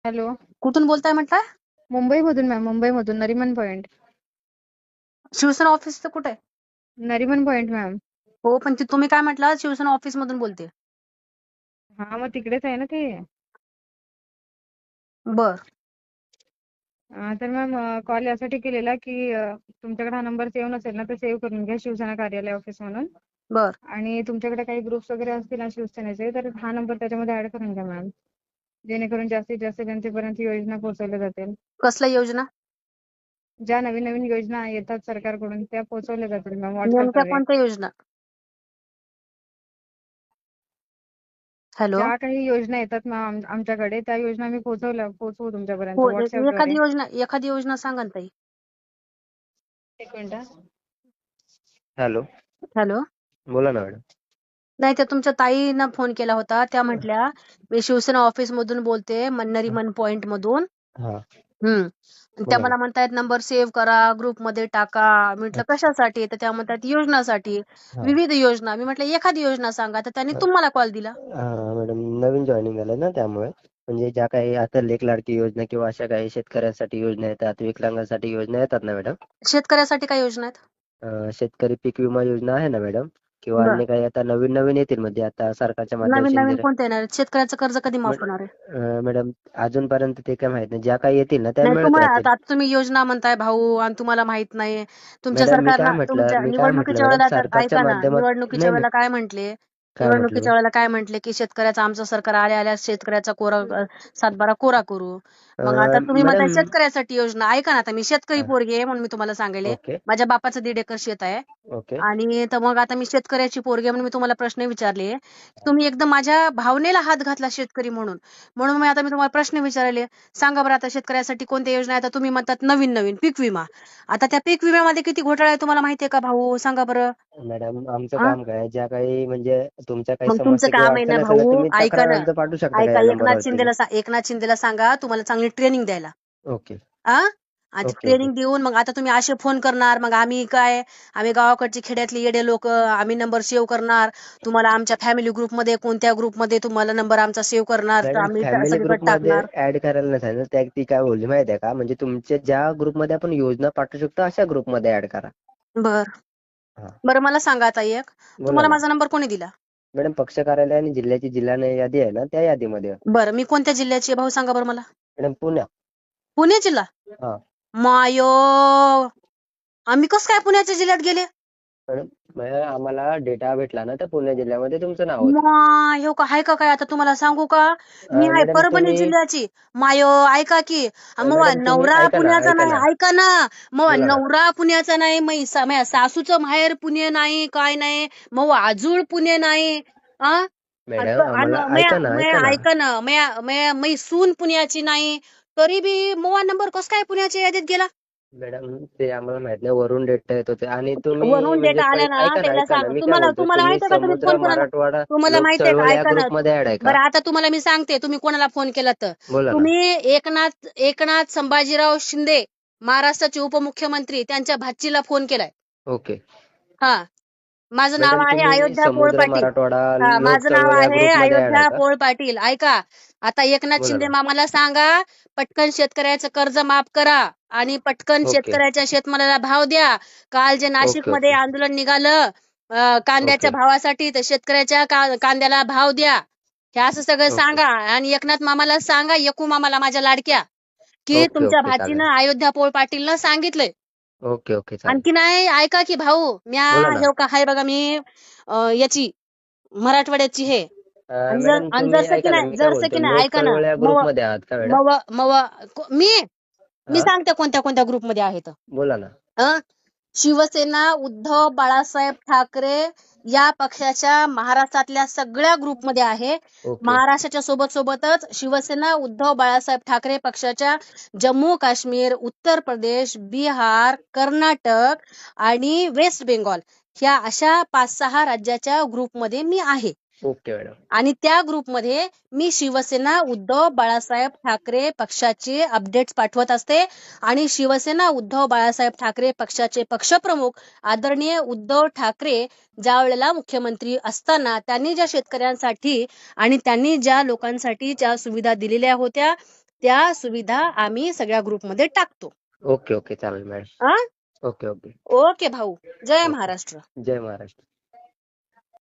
Hello. कुठून बोलताय म्हटलं? मुंबईमधून मॅम, मुंबईमधून नरीमन पॉइंट. शिवसेना ऑफिसचं कुठे आहे? Nariman point ma'am. हो, पण तुम्ही काय म्हटलं? शिवसेना ऑफिस मधून बोलते. हा, मग तिकडेच आहे ना ते. बर. तर मॅम, कॉल यासाठी केलेला की तुमच्याकडे हा नंबर सेव्ह नसेल ना, तर सेव्ह करून घ्या, शिवसेना कार्यालय ऑफिस म्हणून. बर. आणि तुमच्याकडे काही ग्रुप्स वगैरे असतील ना शिवसेनेचे, तर हा नंबर त्याच्यामध्ये ऍड करून घ्या मॅम, जेणेकरून जास्तीत जास्त जनतेपर्यंत योजना पोहोचवल्या जातील. कसल्या योजना? ज्या नवीन नवीन योजना येतात सरकारकडून त्या पोहोचवल्या जातील मॅम नेमक्या व्हॉट्सअपद्वारे. कोणत्या योजना? हॅलो. ज्या काही योजना येतात मॅम आमच्याकडे, त्या योजना आम्ही पोहोचवू तुमच्यापर्यंत हो, व्हॉट्सअपद्वारे. एखादी योजना सांगा ना ताई. एक मिनिट. हॅलो. हॅलो. बोला ना मॅडम. नाही, त्या तुमच्या ताईनं फोन केला होता, त्या म्हटल्या मी शिवसेना ऑफिस मधून बोलते, नरीमन पॉइंट मधून. हा, त्या बोला ना. मला म्हणतायत नंबर सेव्ह करा, ग्रुप मध्ये टाका. म्हटलं अच्छा. कशासाठी? तर त्या म्हणतात योजनासाठी. हा. विविध योजना. मी म्हटलं एखादी योजना सांगा, तर त्यांनी तुम्हाला कॉल दिला. मॅडम नवीन जॉईनिंग झालं ना, त्यामुळे म्हणजे ज्या काही आता लेख लाडकी योजना किंवा अशा काही शेतकऱ्यांसाठी योजना येतात, विकलांगांसाठी योजना येतात ना मॅडम. शेतकऱ्यासाठी काय योजना आहेत? शेतकरी पीक विमा योजना आहे ना मॅडम, किंवा बर. अन्य काही आता नवीन नवीन येतील, म्हणजे आता सरकारच्या नवीन माध्यमातून नवीन कोणते येणार आहेत? शेतकऱ्याचं कर्ज कधी माफ होणार आहे? मॅडम अजूनपर्यंत ते काय माहित नाही, ज्या काही येतील ना त्या नाही, मिळत तुम्हाला राहतील. आता तुम्ही योजना म्हणताय भाऊ, आणि तुम्हाला माहित नाही. तुमच्या मॅडम सरकारला तुमच्या मी काय म्हटलं निवडणुकीच्या मॅडम, वेळेला तर सरकारच्या ऐका ना, माध्यमात निवडणुकीच्या नाही नाही वेळेला काय म्हंटले? काय म्हटलं मी? निवडणुकीच्या वेळेला काय म्हंटले की शेतकऱ्याचं आमचं सरकार आल्या शेतकऱ्याचा सातबारा कोरा करू. मग आता तुम्ही म्हणताय मॅडम. शेतकऱ्यासाठी योजना. ऐका ना, आता मी शेतकरी हा, पोरगी आहे म्हणून मी तुम्हाला सांगेले. ओके माझ्या बापाचं 1.5 एकर शेत आहे. ओके. आणि तर मग आता मी शेतकऱ्याची पोरगी आहे म्हणून मी तुम्हाला प्रश्न विचारले. तुम्ही एकदम माझ्या भावनेला हात घातला शेतकरी म्हणून. म्हणून मी तुम्हाला प्रश्न विचारले. सांगा बरं, आता शेतकऱ्यासाठी कोणत्या योजना आहेत? आता तुम्ही म्हणतात नवीन नवीन पीक विमा. आता त्या पीक विम्यामध्ये किती घोटाळा आहे तुम्हाला माहितीये का भाऊ? सांगा बरं. मॅडम आमचं आ? काम काय, ज्या काही म्हणजे तुमच्या काही मग तुमचं समस्या किंवा काम आहे ना अडचणी असेल ना, भाऊ, तुम्ही ऐका तक्रार ना. अर्ज पाठवू शकता का ऐका, या नंबरवरती? एकनाथ शिंदेला सांगा तुम्हाला चांगली ट्रेनिंग द्यायला. ओके आ? आणि ओके ओके. ट्रेनिंग देऊन मग आता तुम्ही असे फोन करणार, मग आम्ही गावाकडचे खेड्यातले येडे लोक, आम्ही नंबर सेव्ह करणार. तुम्हाला आमच्या फॅमिली ग्रुपमध्ये कोणत्या ग्रुपमध्ये तुम्हाला नंबर आमचा सेव्ह करणार, तर मॅडम आम्ही फॅमिली सगळीकडे ग्रुपमध्ये टाकणार. ऍड करायला नाही सांगितलं, त्या ती काय बोलली माहिती आहे का, म्हणजे तुमच्या ज्या ग्रुपमध्ये आपण योजना पाठवू शकतो अशा ग्रुपमध्ये ऍड करा. बर. हा, बरं, मला सांगा आता एक, बोला तुम्हाला ना माझा नंबर कोणी दिला? मॅडम. पक्ष कार्यालय आणि जिल्ह्याची जिल्हा यादी आहे ना, त्या यादीमध्ये. बरं, मी कोणत्या जिल्ह्याची आहे भाऊ, सांगा बरं मला. मॅडम पुण्या. पुणे जिल्हा. हा मायो, आम्ही कसं काय पुण्याच्या जिल्ह्यात गेले? मॅडम, आम्हाला डेटा भेटला ना, तर पुणे जिल्ह्यामध्ये तुमचं नाव होतं. हो का? आहे का काय? आता तुम्हाला सांगू का, मी आहे मॅडम परभणी तुम्ही जिल्ह्याची. मायो, ऐका की. मग मॅडम तुम्ही नवरा ऐका ना पुण्याचा ऐका नाही, ना ऐका ना. मग बोला ना. नवरा पुण्याचा नाही, माझ्या सासूचं माहेर पुणे नाही, काय नाही. मग आजूळ पुणे नाही. आ? मॅडम आम्हाला ऐका ना ऐका ना ऐका ना, मै सून पुण्याची नाही, तरी बी मोवा नंबर कस काय पुण्याच्या यादीत गेला? मॅडम ते आम्हाला माहित नाही, वरून डेटा येत होते आणि तुम्ही वरून म्हणजे डेटा आला ना, त्याला ऐका ना, सांग. मी काय तुम्हाला बोलतोय, तुम्हाला तुम्ही माहितीये का तुम्ही समुद्र फोन कोणाला? मराठवाडा तुम्हाला लोक माहितीये का? चळवळ या ऐका ना. ग्रुप मध्ये ऍड आहे का? बरं, आता तुम्हाला मी सांगते तुम्ही कोणाला फोन केला तर. बोला ना. तुम्ही एकनाथ संभाजीराव शिंदे, महाराष्ट्राचे उपमुख्यमंत्री, त्यांच्या भाचीला फोन केलाय. ओके. हा. माझं नाव मॅडम आहे तुम्ही अयोध्या पोळ समुद्र पाटील. मराठवाडा हा, लोक माझं नाव चळवळ या आहे ग्रुप मध्ये ऍड आहे अयोध्या का? पोळ पाटील. ऐका, आता एकनाथ बोला शिंदे ना. मामाला सांगा, पटकन शेतकऱ्याचं कर्ज माफ करा आणि पटकन ओके शेतकऱ्याच्या शेतमालाला भाव द्या. काल जे ओके नाशिकमध्ये ओके आंदोलन निघालं कांद्याच्या ओके भावासाठी, तर शेतकऱ्याच्या कांद्याला भाव द्या. हे असं सगळं ओके सांगा. आणि एकनाथ मामाला सांगा, एकू मामाला माझ्या लाडक्या, की ओके तुमच्या ओके चालेल. भाचीनं अयोध्या पोळ पाटीलनं सांगितलंय. ओके ओके चालेल. आणखी नाही, ऐका की भाऊ, बोला ना. हे का हाय बघा, मी याची मराठवाड्याची हे. मॅडम तुम्ही ऐका ना, मी काय जरसं बोलतो, की नाही, लोक ऐका ना. चळवळ या ग्रुप मव मध्ये आहात का मॅडम? मव मव मी मी हा, सांगते कोणत्या कोणत्या ग्रुपमध्ये आहे तर. बोला ना. शिवसेना उद्धव बाळासाहेब ठाकरे या पक्षाच्या महाराष्ट्रातल्या सगळ्या ग्रुपमध्ये आहे. ओके महाराष्ट्राच्या सोबतच शिवसेना उद्धव बाळासाहेब ठाकरे पक्षाच्या जम्मू काश्मीर, उत्तर प्रदेश, बिहार, कर्नाटक आणि वेस्ट बेंगॉल ह्या अशा 5-6 राज्याच्या ग्रुपमध्ये मी आहे. Okay madam. आणि त्या ग्रुपमध्ये मी शिवसेना उद्धव बाळासाहेब ठाकरे पक्षाचे अपडेट्स पाठवत असते. आणि शिवसेना उद्धव बाळासाहेब ठाकरे पक्षाचे पक्षप्रमुख आदरणीय उद्धव ठाकरे ज्या वेळेला मुख्यमंत्री असताना त्यांनी ज्या शेतकऱ्यांसाठी आणि त्यांनी ज्या लोकांसाठी ज्या सुविधा दिलेल्या होत्या, त्या सुविधा आम्ही सगळ्या ग्रुपमध्ये टाकतो. ओके ओके चालेल मॅडम. हा ओके ओके ओके भाऊ. जय ओके. महाराष्ट्र. जय महाराष्ट्र.